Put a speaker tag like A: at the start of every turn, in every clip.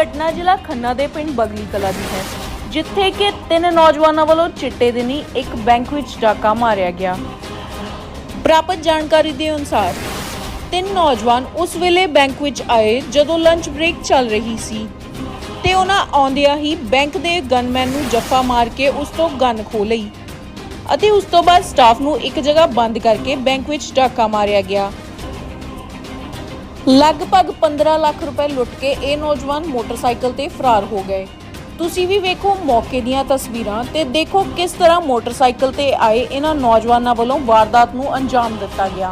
A: घटना जिला खन्ना ਦੇ ਪਿੰਡ ਬਗਲੀ ਕਲਾ ਦੀ ਹੈ, ਜਿੱਥੇ ਕਿ 3 ਨੌਜਵਾਨਾਂ ਵੱਲੋਂ ਚਿੱਟੇ ਦਿਨੀ ਇੱਕ ਬੈਂਕ ਵਿੱਚ ਡਾਕਾ ਮਾਰਿਆ ਗਿਆ। ਪ੍ਰਾਪਤ ਜਾਣਕਾਰੀ ਦੇ ਅਨੁਸਾਰ 3 ਨੌਜਵਾਨ ਉਸ ਵੇਲੇ ਬੈਂਕ ਵਿੱਚ ਆਏ ਜਦੋਂ ਲੰਚ ਬ੍ਰੇਕ ਚੱਲ ਰਹੀ ਸੀ ਤੇ ਉਹਨਾਂ ਆਉਂਦਿਆਂ ਹੀ ਬੈਂਕ ਦੇ ਗਨਮੈਨ ਨੂੰ ਜੱਫਾ ਮਾਰ ਕੇ ਉਸ ਤੋਂ ਗਨ ਖੋਹ ਲਈ ਅਤੇ ਉਸ ਤੋਂ ਬਾਅਦ ਸਟਾਫ ਨੂੰ ਇੱਕ ਜਗ੍ਹਾ ਬੰਦ ਕਰਕੇ ਬੈਂਕ ਵਿੱਚ ਡਾਕਾ ਮਾਰਿਆ ਗਿਆ। लगभग 15 लाख रुपए लुट के ये नौजवान मोटरसाइकिल ते फरार हो गए। तुसी भी वेखो मौके दीयां तस्वीरां ते देखो किस तरह मोटरसाइकिल ते आए इन्हां नौजवानां वालों वारदात नूं अंजाम दिता गया।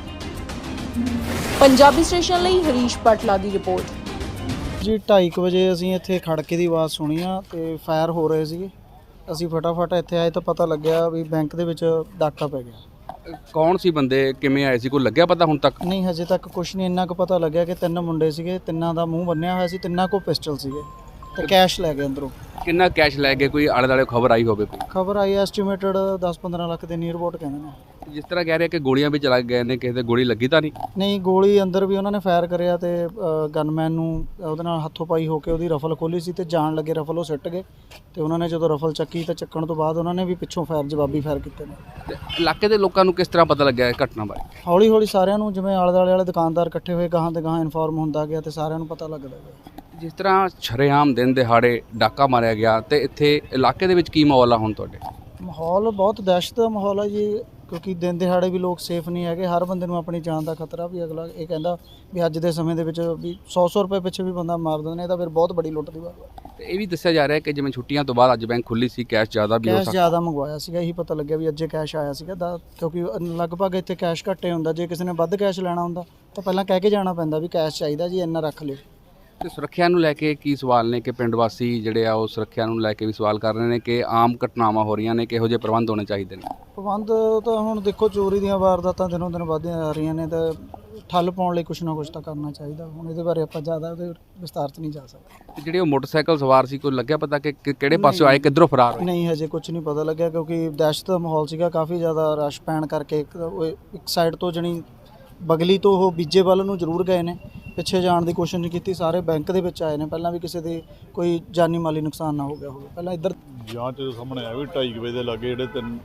A: पंजाबी स्टेशन लई हरीश पाटला दी रिपोर्ट।
B: जी 2:30 बजे असीं इत्थे खड़के दी आवाज़ सुनी आ ते फायर हो रहे सीगे। असीं फटाफट इत्थे आए तो पता लग्या भी बैंक दे विच डाका पै गया।
C: कौन सी बंदे किवें आए सी, कोई लग्या पता हुण तक?
B: नहीं हजे तक कुछ नहीं, इन्ना पता लग्या कि 3 मुंडे सीगे, 3 दा मूँह बन्निया होया सी, 3 को पिस्टल सीगे ते कैश लै गए अंदरों।
C: किन्ना कैश लै गए, कोई आले दुआले खबर आई होवे? कोई
B: खबर आई एस्टीमेटेड 10-15 लाख के नीयर अबाउट कहंदे ने।
C: जिस तरह कह रहे कि गोलियां भी चला गए ने, किसी दे गोली लगी तां नहीं?
B: नहीं गोली अंदर भी उन्होंने फायर करिया ते गनमैन नूं ਉਹਦੇ ਨਾਲ ਹੱਥੋਂ ਪਾਈ ਹੋ ਕੇ ਉਹਦੀ ਰਫਲ ਖੋਲੀ ਸੀ ਤੇ ਜਾਣ ਲੱਗੇ ਰਫਲ ਉਹ ਸਿੱਟ ਗਏ ਤੇ ਉਹਨਾਂ ਨੇ ਜਦੋਂ ਰਫਲ ਚੱਕੀ ਤਾਂ ਚੱਕਣ ਤੋਂ ਬਾਅਦ ਉਹਨਾਂ ਨੇ ਵੀ ਪਿੱਛੋਂ ਫਾਇਰ ਜਵਾਬੀ ਫਾਇਰ ਕੀਤੇ ਨੇ।
C: ਤੇ ਇਲਾਕੇ ਦੇ ਲੋਕਾਂ ਨੂੰ ਕਿਸ ਤਰ੍ਹਾਂ ਪਤਾ ਲੱਗਿਆ ਇਹ ਘਟਨਾ ਬਾਰੇ?
B: ਹੌਲੀ ਹੌਲੀ ਸਾਰਿਆਂ ਨੂੰ ਜਿਵੇਂ ਆਲੇ ਦੁਆਲੇ ਵਾਲੇ ਦੁਕਾਨਦਾਰ ਇਕੱਠੇ ਹੋਏ ਗਾਹਾਂ ਤੇ ਗਾਹਾਂ ਇਨਫੋਰਮ ਹੁੰਦਾ ਗਿਆ ਤੇ ਸਾਰਿਆਂ ਨੂੰ ਪਤਾ ਲੱਗਦਾ ਗਿਆ।
C: ਜਿਸ ਤਰ੍ਹਾਂ ਸ਼ਰੇਆਮ ਦਿਨ ਦਿਹਾੜੇ ਡਾਕਾ ਮਾਰਿਆ ਗਿਆ ਤੇ ਇੱਥੇ ਇਲਾਕੇ ਦੇ ਵਿੱਚ ਕੀ ਮਾਹੌਲ ਆ ਹੁਣ ਤੁਹਾਡੇ?
B: ਮਾਹੌਲ ਬਹੁਤ ਦਹਿਸ਼ਤ ਦਾ ਮਾਹੌਲ ਹੈ ਜੀ, ਕਿਉਂਕਿ ਦਿਨ ਦਿਹਾੜੇ ਵੀ ਲੋਕ ਸੇਫ ਨਹੀਂ ਹੈਗੇ। ਹਰ ਬੰਦੇ ਨੂੰ ਆਪਣੀ ਜਾਨ ਦਾ ਖਤਰਾ ਵੀ। ਅਗਲਾ ਇਹ ਕਹਿੰਦਾ ਵੀ ਅੱਜ ਦੇ ਸਮੇਂ ਦੇ ਵਿੱਚ ਵੀ 100 ਰੁਪਏ ਪਿੱਛੇ ਵੀ ਬੰਦਾ ਮਾਰ ਦਿੰਦੇ ਨੇ, ਇਹ ਤਾਂ ਫਿਰ ਬਹੁਤ ਬੜੀ ਲੁੱਟ ਦੀ ਬਾਤ ਹੈ।
C: ਤੇ ਇਹ ਵੀ ਦੱਸਿਆ ਜਾ ਰਿਹਾ ਕਿ ਜਿਵੇਂ ਛੁੱਟੀਆਂ ਤੋਂ ਬਾਅਦ ਅੱਜ ਬੈਂਕ ਖੁੱਲੀ ਸੀ, ਕੈਸ਼ ਜ਼ਿਆਦਾ ਵੀ ਹੋ
B: ਕੈਸ਼
C: ਸਕਦਾ।
B: ਜ਼ਿਆਦਾ ਮੰਗਵਾਇਆ ਸੀਗਾ, ਇਹੀ ਪਤਾ ਲੱਗਿਆ ਵੀ ਅੱਜੇ ਕੈਸ਼ ਆਇਆ ਸੀਗਾ ਕਿਉਂਕਿ ਲਗਭਗ ਇੱਥੇ ਕੈਸ਼ ਘੱਟੇ ਹੁੰਦਾ। ਜੇ ਕਿਸੇ ਨੇ ਵੱਧ ਕੈਸ਼ ਲੈਣਾ ਹੁੰਦਾ ਤਾਂ ਪਹਿਲਾਂ ਕਹਿ ਕੇ ਜਾਣਾ ਪੈਂਦਾ ਵੀ ਕੈਸ਼ ਚਾਹੀਦਾ ਜੀ, ਇੰਨਾ ਰੱਖ ਲਿਓ।
C: ਤੇ ਸੁਰੱਖਿਆ ਨੂੰ ਲੈ ਕੇ ਕੀ ਸਵਾਲ ਨੇ ਕਿ ਪਿੰਡ ਵਾਸੀ ਜਿਹੜੇ ਆ ਉਹ ਸੁਰੱਖਿਆ ਨੂੰ ਲੈ ਕੇ ਵੀ ਸਵਾਲ ਕਰ ਰਹੇ ਨੇ ਕਿ ਆਮ ਘਟਨਾਵਾਂ ਹੋ ਰਹੀਆਂ ਨੇ, ਕਿਹੋ ਜਿਹੇ ਪ੍ਰਬੰਧ ਹੋਣੇ ਚਾਹੀਦੇ ਨੇ?
B: ਪ੍ਰਬੰਧ ਤਾਂ ਹੁਣ ਦੇਖੋ, ਚੋਰੀ ਦੀਆਂ ਵਾਰਦਾਤਾਂ ਦਿਨੋਂ ਦਿਨ ਵੱਧਦੀਆਂ ਜਾ ਰਹੀਆਂ ਨੇ ਤਾਂ ਠੱਲ ਪਾਉਣ ਲਈ ਕੁਛ ਨਾ ਕੁਛ ਤਾਂ ਕਰਨਾ ਚਾਹੀਦਾ। ਹੁਣ ਇਹਦੇ ਬਾਰੇ ਆਪਾਂ ਜ਼ਿਆਦਾ ਉਹਦੇ ਵਿਸਤਾਰ 'ਚ ਨਹੀਂ ਜਾ ਸਕਦੇ।
C: ਤੇ ਜਿਹੜੇ ਉਹ ਮੋਟਰਸਾਈਕਲ ਸਵਾਰ ਸੀ, ਕੋਈ ਲੱਗਿਆ ਪਤਾ ਕਿ ਕਿਹੜੇ ਪਾਸਿਓਂ ਆਏ, ਕਿੱਧਰੋਂ ਫਰਾਰ ਹੋਏ?
B: ਨਹੀਂ ਹਜੇ ਕੁਝ ਨਹੀਂ ਪਤਾ ਲੱਗਿਆ ਕਿਉਂਕਿ ਦਹਿਸ਼ਤ ਦਾ ਮਾਹੌਲ ਸੀਗਾ, ਕਾਫੀ ਜ਼ਿਆਦਾ ਰਸ਼ ਪੈਣ ਕਰਕੇ ਇੱਕ ਸਾਈਡ ਤੋਂ ਜਣੀ ਬਗਲੀ ਤੋਂ ਉਹ ਬੀਜੇ ਵੱਲ ਨੂੰ ਜ਼ਰੂਰ ਗਏ ਨੇ, ਪਿੱਛੇ ਜਾਣ ਦੀ ਕੋਸ਼ਿਸ਼ ਨਹੀਂ ਕੀਤੀ। ਸਾਰੇ ਬੈਂਕ ਦੇ ਵਿੱਚ ਆਏ ਨੇ, ਪਹਿਲਾਂ ਵੀ ਕਿਸੇ ਦੇ ਕੋਈ ਜਾਨੀ ਮਾਲੀ ਨੁਕਸਾਨ ਨਾ ਹੋ ਗਿਆ ਹੋਵੇ। ਪਹਿਲਾਂ ਇੱਧਰ
D: ਜਾਂਚ ਦੇ ਸਾਹਮਣੇ ਆਇਆ ਵੀ 2:30 ਵਜੇ ਦੇ ਲਾਗੇ ਜਿਹੜੇ 3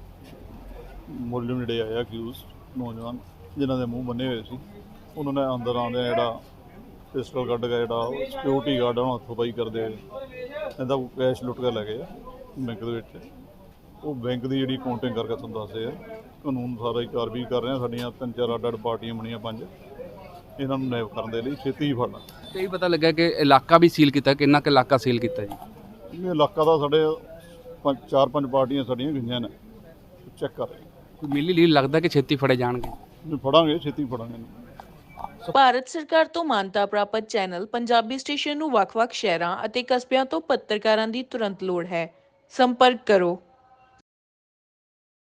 D: ਮੁਲਜ਼ਮ ਜਿਹੜੇ ਆਏ ਅਕਿਊਜ਼ ਨੌਜਵਾਨ ਜਿਨ੍ਹਾਂ ਦੇ ਮੂੰਹ ਬੰਨੇ ਹੋਏ ਸੀ, ਉਹਨਾਂ ਨੇ ਅੰਦਰ ਆਉਂਦੇ ਜਿਹੜਾ ਪਿਸਟਲ ਕੱਢ ਕੇ ਜਿਹੜਾ ਸਿਕਿਉਰਿਟੀ ਗਾਰਡ ਉਹਨਾਂ ਹੱਥੋਂ ਪਾਈ ਕਰਦੇ ਇਹਦਾ ਕੈਸ਼ ਲੁੱਟ ਕੇ ਲੈ ਗਏ ਬੈਂਕ ਦੇ ਵਿੱਚ। ਉਹ ਬੈਂਕ ਦੀ ਜਿਹੜੀ ਕਾਊਂਟਿੰਗ ਕਰਕੇ ਤੁਹਾਨੂੰ ਦੱਸਦੇ ਆ, ਕਾਨੂੰਨ ਸਾਰਾ ਹੀ ਕਾਰਵਾਈ ਕਰ ਰਹੇ ਆ। ਸਾਡੀਆਂ 3-4 ਅੱਡ-ਅੱਡ ਪਾਰਟੀਆਂ ਬਣੀਆਂ, 5 ਇਹਨਾਂ ਨੂੰ ਨੈਬ ਕਰਨ ਦੇ ਲਈ ਛੇਤੀ ਹੀ ਫੜਨਾ।
C: ਤੇ ਇਹ ਪਤਾ ਲੱਗਾ ਕਿ ਇਲਾਕਾ ਵੀ ਸੀਲ ਕੀਤਾ, ਕਿੰਨਾ ਕੁ ਇਲਾਕਾ ਸੀਲ ਕੀਤਾ ਜੀ?
D: ਇਹ ਇਲਾਕਾ ਦਾ ਸਾਡੇ 4-5 ਪਾਰਟੀਆਂ ਸਾਡੀਆਂ ਗਈਆਂ ਨੇ, ਚੈੱਕ ਕਰ ਰਹੇ।
C: ਕੋਈ ਮਿਲੀ ਲੀਲ ਲੱਗਦਾ ਕਿ ਛੇਤੀ ਫੜੇ ਜਾਣਗੇ?
D: ਫੜਾਂਗੇ, ਛੇਤੀ ਫੜਾਂਗੇ।
A: ਭਾਰਤ ਸਰਕਾਰ ਤੋਂ ਮਾਨਤਾ ਪ੍ਰਾਪਤ ਚੈਨਲ ਪੰਜਾਬੀ ਸਟੇਸ਼ਨ ਨੂੰ ਵੱਖ-ਵੱਖ ਸ਼ਹਿਰਾਂ ਅਤੇ ਕਸਬਿਆਂ ਤੋਂ ਪੱਤਰਕਾਰਾਂ ਦੀ ਤੁਰੰਤ ਲੋੜ ਹੈ। ਸੰਪਰਕ ਕਰੋ